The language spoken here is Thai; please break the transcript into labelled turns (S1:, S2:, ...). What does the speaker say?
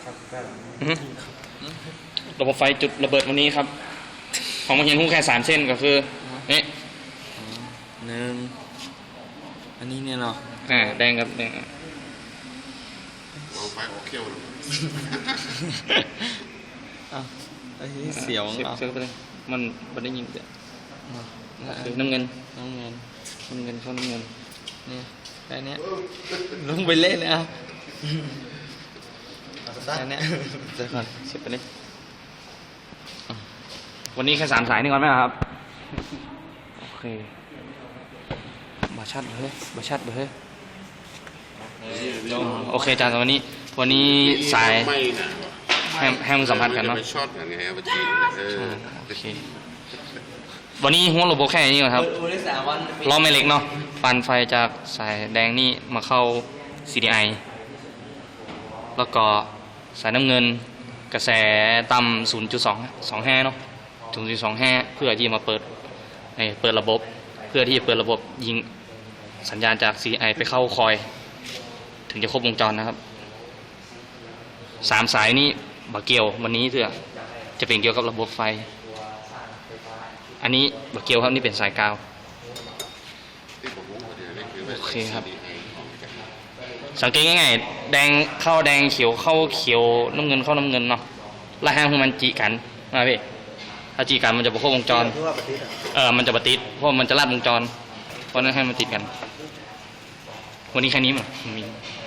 S1: ระบบไฟจุดระเบิดวันนี้ครับของมาเห็นหูแค่3 เส้นก็คือนี่
S2: อันนี้เนี่ยเนาะ
S1: แดงครับแดง
S3: วางไฟออกเขี้ยวเลย
S2: ไอ้เสียว
S1: เสียบไปเลยมันได้ยิงเสียคือน้ำเงินเข้าน้ำเงิน
S2: นี่แค่นี้ลงไปเล่นนะแค่นี้เจอก่อน
S1: เสียบไปเลยวันนี้แค่3 สายนี่ก่อนไหมครับโอเคบาชัดเลยโอเคอาจารย์วันนี้สายให้มันสัมพันธ์กันเนาะ
S3: ช็อตกันไงปะจี
S1: โอเควันนี้หัวระบบแค่นี้ก่อนครับล้อไม่เล็กเนาะปั่นไฟจากสายแดงนี่มาเข้า CDI แล้วก็สายน้ำเงินกระแสต่ำ 0.25 เนาะ 0.25 เพื่อที่มาเปิดระบบเพื่อที่จะเปิดระบบยิงสัญญาณจาก CDI ไปเข้าคอยถึงจะครบวงจรนะครับ3 สายนี้บักเกียววันนี้จะเป็นเกี่ยวกับระบบไฟอันนี้บักเกียวครับนี่เป็นสายกาวโอเคครับสังเกตง่ายๆแดงเข้าแดงเขียวเข้าเขียวน้ำเงินเข้าน้ำเงินเนาะแล้วให้มันจีกันนะพี่ถ้าจีกันมันจะครบวงจรมันจะปฏิดเพราะมันจะลัดวงจรเพราะนั้นให้มันติดกันวันนี้แค่นี้มั้งมี